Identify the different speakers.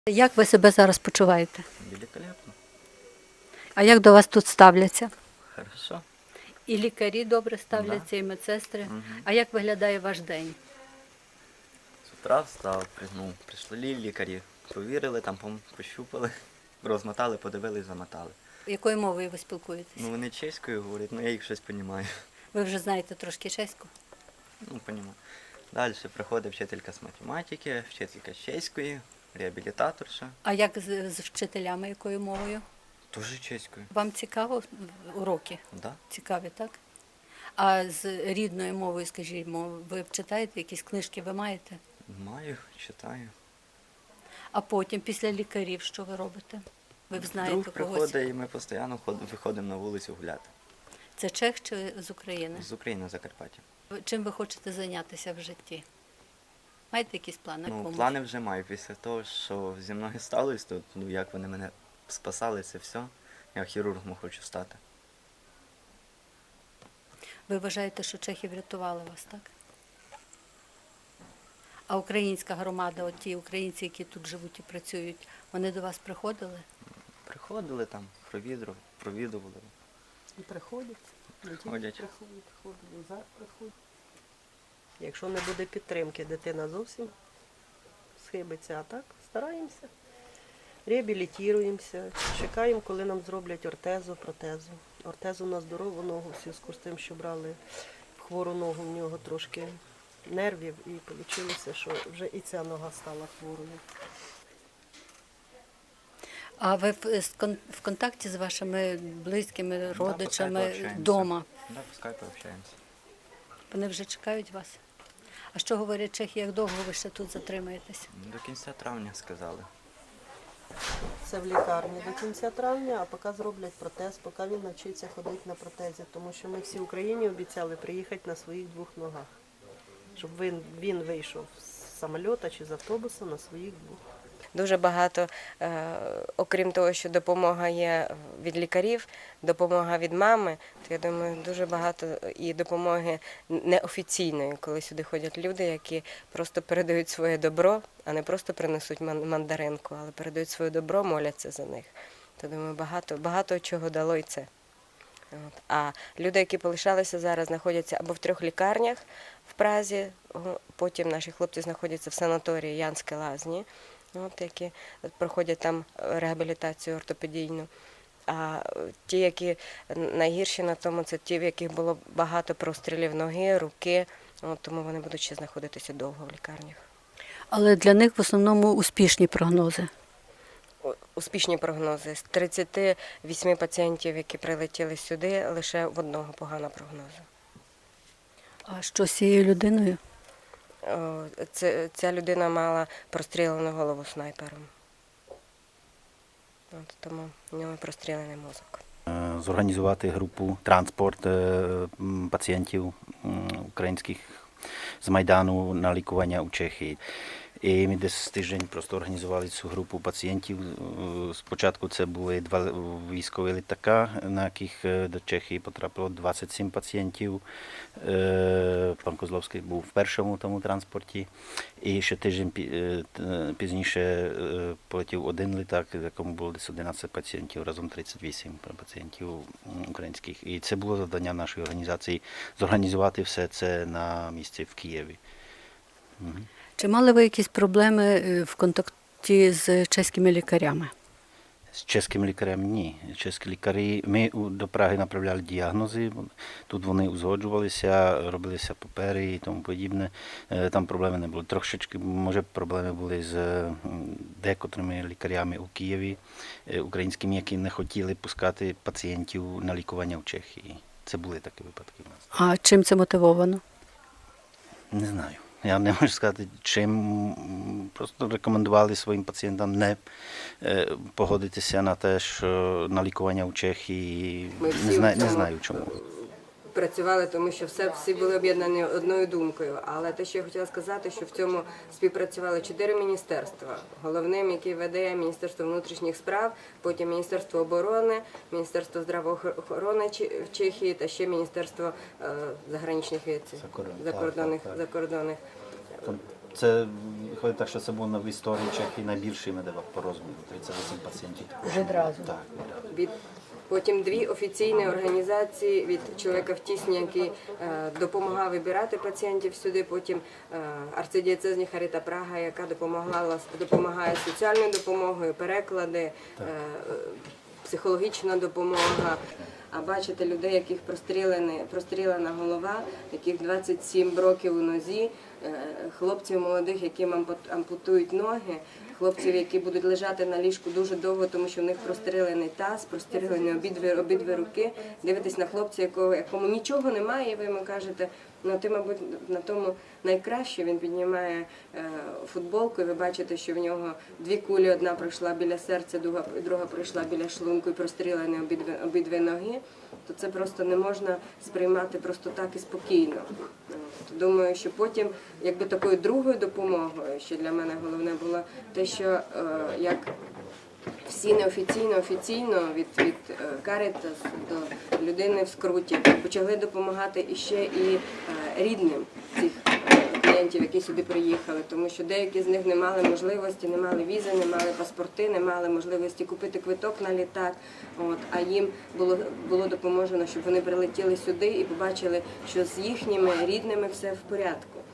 Speaker 1: Як ви себе зараз почуваєте?
Speaker 2: Великолепно.
Speaker 1: А як до вас тут ставляться?
Speaker 2: Хорошо.
Speaker 1: І лікарі добре ставляться, і медсестри. А як виглядає ваш день?
Speaker 2: З утра встав, прийшли лікарі, провірили, там пощупали, розмотали, подивились, замотали.
Speaker 1: Якою мовою ви спілкуєтесь?
Speaker 2: Ну вони чеською говорять, я їх щось розумію.
Speaker 1: Ви вже знаєте трошки чеську?
Speaker 2: Розумію. Далі приходить вчителька з математики, вчителька з чеської, реабілітаторша.
Speaker 1: А як з вчителями, якою мовою?
Speaker 2: Теж чеською.
Speaker 1: Вам цікаво уроки?
Speaker 2: Да.
Speaker 1: Цікаві, так? А з рідною мовою, скажімо, ви читаєте, якісь книжки ви маєте?
Speaker 2: Маю, читаю.
Speaker 1: А потім, після лікарів, що ви робите? Ви б знаєте
Speaker 2: Друг
Speaker 1: когось?
Speaker 2: приходить і ми постійно виходимо на вулицю гуляти.
Speaker 1: Це чех чи з України?
Speaker 2: З України, Закарпаття.
Speaker 1: Чим ви хочете зайнятися в житті? Маєте якісь плани?
Speaker 2: Плани вже маю. Після того, що зі мною сталося, тут, як вони мене спасали, це все. Я хірургом хочу стати.
Speaker 1: Ви вважаєте, що чехи врятували вас, так? А українська громада, от ті українці, які тут живуть і працюють, вони до вас приходили?
Speaker 2: Приходили там, провідували.
Speaker 3: І приходять,
Speaker 2: Ходять.
Speaker 3: приходять. Якщо не буде підтримки, дитина зовсім схибиться, а так стараємося, реабілітуємося, чекаємо, коли нам зроблять ортезу, протезу. Ортезу на здорову ногу, в зв'язку з тим, що брали в хвору ногу, в нього трошки нервів, і вийшло, що вже і ця нога стала хворою.
Speaker 1: А ви в контакті з вашими близькими, родичами вдома?
Speaker 2: Так, по скайпу общаємося.
Speaker 1: Вони вже чекають вас? А що говорять чехи, як довго ви ще тут затримаєтесь?
Speaker 2: До кінця травня сказали.
Speaker 3: Це в лікарні до кінця травня, а поки зроблять протез, поки він навчиться ходити на протезі. Тому що ми всій Україні обіцяли приїхати на своїх двох ногах. Щоб він вийшов з самоліта чи з автобуса на своїх двох.
Speaker 4: Дуже багато, окрім того, що допомога є від лікарів, допомога від мами, то я думаю, дуже багато і допомоги неофіційної, коли сюди ходять люди, які просто передають своє добро, а не просто принесуть мандаринку, але передають своє добро, моляться за них. То думаю, багато чого дало і це. А люди, які полишалися зараз, знаходяться або в 3 лікарнях в Празі, потім наші хлопці знаходяться в санаторії Янські Лазні, які проходять там реабілітацію ортопедійну. А ті, які найгірші на тому, це ті, в яких було багато прострілів ноги, руки, тому вони будуть ще знаходитися довго в лікарнях.
Speaker 1: Але для них в основному успішні прогнози.
Speaker 4: Успішні прогнози. З 38 пацієнтів, які прилетіли сюди, лише в одного погана прогноза.
Speaker 1: А що з цією людиною?
Speaker 4: Ця людина мала прострілену голову снайпером. Тому в нього прострілений мозок.
Speaker 5: Зорганізувати групу транспорт пацієнтів українських з Майдану на лікування у Чехії. І ми десь тиждень просто організували цю групу пацієнтів. Спочатку це були 2 військові літака, на яких до Чехії потрапило 27 пацієнтів. Пан Козловський був в першому тому транспорті. І ще тиждень пізніше полетів 1 літак, в якому було десь 11 пацієнтів, разом 38 пацієнтів українських. І це було завдання нашої організації – зорганізувати все це на місці в Києві.
Speaker 1: Чи мали ви якісь проблеми в контакті з чеськими лікарями?
Speaker 5: З чеським лікарем ні. Чеські лікарі, ми до Праги направляли діагнози, тут вони узгоджувалися, робилися папери і тому подібне. Там проблеми не було. Трошечки, може, проблеми були з декотрими лікарями у Києві, українськими, які не хотіли пускати пацієнтів на лікування в Чехії. Це були такі випадки в нас.
Speaker 1: А чим це мотивовано?
Speaker 5: Не знаю. Я не можу сказати, чим. Просто рекомендували своїм пацієнтам не погодитися на те, що на лікування в Чехії. Не знаю чому.
Speaker 4: Працювали, тому що всі були об'єднані одною думкою. Але те, що я хотіла сказати, що в цьому співпрацювали 4 міністерства. Головним, який веде Міністерство внутрішніх справ, потім Міністерство оборони, Міністерство здравоохорони в Чехії та ще Міністерство заграничних закордонних
Speaker 5: Це виходить так, що це був в історії Чехії найбільший медивак по розміру. 38 пацієнтів.
Speaker 1: Вже одразу.
Speaker 5: Так.
Speaker 4: Потім 2 офіційні організації від чоловіка в тісні, який допомагав вибирати пацієнтів сюди. Потім арцидієцезні Харіта Прага, яка допомагає соціальною допомогою, переклади, психологічна допомога. А бачите людей, яких прострілена голова, яких 27 років у нозі, хлопців молодих, яким ампутують ноги, хлопців, які будуть лежати на ліжку дуже довго, тому що в них прострелений таз, прострелені обидві руки. Дивитесь на хлопця, якому нічого немає, і ви йому кажете, ну ти, мабуть, на тому найкраще. Він піднімає футболку, і ви бачите, що в нього 2 кулі, одна пройшла біля серця, друга пройшла біля шлунку і прострілені обидві ноги. То це просто не можна сприймати просто так і спокійно. Думаю, що потім, якби такою другою допомогою, що для мене головне було те, що як всі неофіційно, офіційно від Caritas до людини в скруті почали допомагати іще і рідним цих клієнтів, які сюди приїхали, тому що деякі з них не мали можливості, не мали візи, не мали паспорти, не мали можливості купити квиток на літак, а їм було допоможено, щоб вони прилетіли сюди і побачили, що з їхніми рідними все в порядку.